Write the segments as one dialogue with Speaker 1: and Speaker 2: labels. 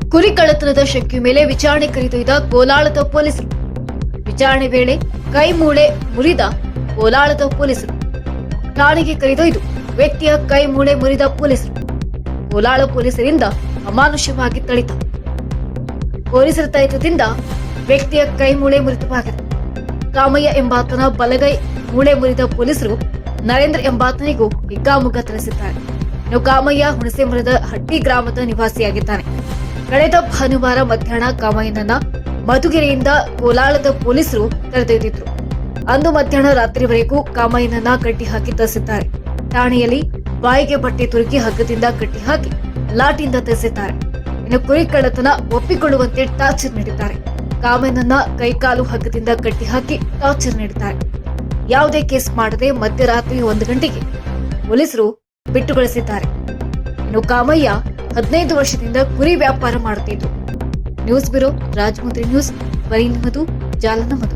Speaker 1: ಕುರಿ ಕಳ್ಳತನದ ಶಂಕೆ ಮೇಲೆ ವಿಚಾರಣೆ ಕರೆದೊಯ್ದ ಕೋಲಾಳದ ಪೊಲೀಸರು. ವಿಚಾರಣೆ ವೇಳೆ ಕೈ ಮೂಳೆ ಮುರಿದ ಕೋಲಾಳದ ಪೊಲೀಸರು. ಠಾಣೆಗೆ ಕರೆದೊಯ್ದು ವ್ಯಕ್ತಿಯ ಕೈ ಮೂಳೆ ಮುರಿದ ಪೊಲೀಸರು. ಕೋಲಾಳ ಪೊಲೀಸರಿಂದ ಅಮಾನುಷವಾಗಿ ಥಳಿತ. ಪೊಲೀಸರ ತೈತದಿಂದ ವ್ಯಕ್ತಿಯ ಕೈ ಮೂಳೆ ಮುರಿತವಾಗಿದೆ. ಕಾಮಯ್ಯ ಎಂಬಾತನ ಬಲಗೈ ಮೂಳೆ ಮುರಿದ ಪೊಲೀಸರು ನರೇಂದ್ರ ಎಂಬಾತನಿಗೂ ಹಿಗ್ಗಾಮುಗ್ಗಾ ತಿಳಿಸಿದ್ದಾರೆ. ಇನ್ನು ಕಾಮಯ್ಯ ಹುಣಸೆಮರದ ಹಟ್ಟಿ ಗ್ರಾಮದ ನಿವಾಸಿಯಾಗಿದ್ದಾನೆ. ಕಳೆದ ಭಾನುವಾರ ಮಧ್ಯಾಹ್ನ ಕಾಮಯ್ಯನನ್ನ ಮಧುಗಿರಿಯಿಂದ ಕೋಲಾಳದ ಪೊಲೀಸರು ಕರೆದೊಯ್ದಿದ್ರು. ಅಂದು ಮಧ್ಯಾಹ್ನ ರಾತ್ರಿವರೆಗೂ ಕಾಮಯ್ಯನನ್ನ ಕಟ್ಟಿ ಹಾಕಿ ತರಿಸಿದ್ದಾರೆ. ಠಾಣೆಯಲ್ಲಿ ಬಾಯಿಗೆ ಬಟ್ಟೆ ತುರುಕಿ ಹಗ್ಗದಿಂದ ಕಟ್ಟಿ ಹಾಕಿ ಲಾಠಿಯಿಂದ ತರಿಸಿದ್ದಾರೆ. ಇನ್ನು ಕುರಿ ಕಳ್ಳತನ ಒಪ್ಪಿಕೊಳ್ಳುವಂತೆ ಟಾರ್ಚರ್ ನೀಡಿದ್ದಾರೆ. ಕಾಮಯ್ಯನನ್ನ ಕೈಕಾಲು ಹಗ್ಗದಿಂದ ಕಟ್ಟಿ ಹಾಕಿ ಟಾರ್ಚರ್ ನೀಡಿದ್ದಾರೆ. ಯಾವುದೇ ಕೇಸ್ ಮಾಡದೆ ಮಧ್ಯರಾತ್ರಿ 1 ಗಂಟೆಗೆ ಪೊಲೀಸರು ಬಿಟ್ಟುಗೊಳಿಸಿದ್ದಾರೆ. ಇನ್ನು ಕಾಮಯ್ಯ 15 ವರ್ಷದಿಂದ ಕುರಿ ವ್ಯಾಪಾರ ಮಾಡುತ್ತಿದ್ದು. ನ್ಯೂಸ್ ಬ್ಯೂರೋ, ರಾಜಮುದ್ರಿ ನ್ಯೂಸ್, ಬರೀ ನಿಮ್ಮದು, ಜಾಲ ನಮ್ಮದು.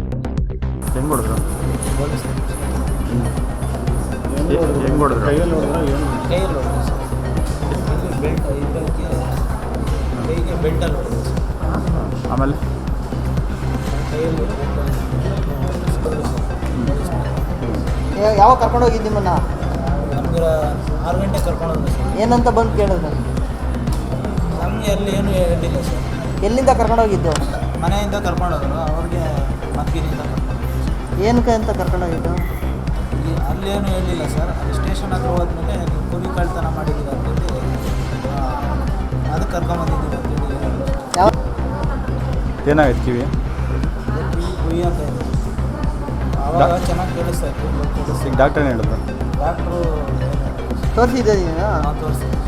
Speaker 2: ಆಮೇಲೆ
Speaker 3: ಯಾವಾಗ ಕರ್ಕೊಂಡು ಹೋಗಿದ್ದು ನಿಮ್ಮನ್ನ?
Speaker 4: ನಮ್ಗೆ 6 ಗಂಟೆ ಕರ್ಕೊಂಡು ಹೋದ್ರು ಸರ್.
Speaker 3: ಏನಂತ ಬಂದು ಕೇಳಿದ್ರು?
Speaker 4: ನಮಗೆ ಅಲ್ಲಿ ಏನು ಹೇಳಿಲ್ಲ ಸರ್.
Speaker 3: ಎಲ್ಲಿಂದ ಕರ್ಕೊಂಡು ಹೋಗಿದ್ದು?
Speaker 4: ಮನೆಯಿಂದ ಕರ್ಕೊಂಡು ಹೋದ್ರು. ಅವ್ರಿಗೆ ಮದ್ಗಿನಿಂದ ಕರ್ಕೊಂಡು ಹೋದ್ರು.
Speaker 3: ಏನಕ್ಕೆ ಅಂತ ಕರ್ಕೊಂಡು ಹೋಗಿದ್ದು?
Speaker 4: ಅಲ್ಲಿ ಏನು ಹೇಳಿಲ್ಲ ಸರ್. ಅಲ್ಲಿ ಸ್ಟೇಷನ್ ಹತ್ರ ಹೋದ್ಮೇಲೆ ನೀವು ಕುರಿ ಕಳ್ತನ ಮಾಡಿದ್ದೀರ ಅಂತೇಳಿ ಅದಕ್ಕೆ ಕರ್ಕೊಂಬಂದಿದ್ದೀವಿ ಅಂತೇಳಿ.
Speaker 3: ಯಾವ
Speaker 2: ಏನಾಗೈತೆ ಕಿವಿ?
Speaker 4: ಕುಯ್ಯಿ ಅಂತ ಇದೆ. ಆವಾಗ ಚೆನ್ನಾಗಿ ಕೇಳಿಸ್ತಾ ಇತ್ತು.
Speaker 2: ಈಗ ಡಾಕ್ಟರ್ ಏನು ಹೇಳಿದ್ರು?
Speaker 4: ಡಾಕ್ಟ್ರು
Speaker 3: ತೋರಿಸಿದ್ದೆ ನೀನು?
Speaker 4: ನಾವು ತೋರಿಸ್ತೀವಿ.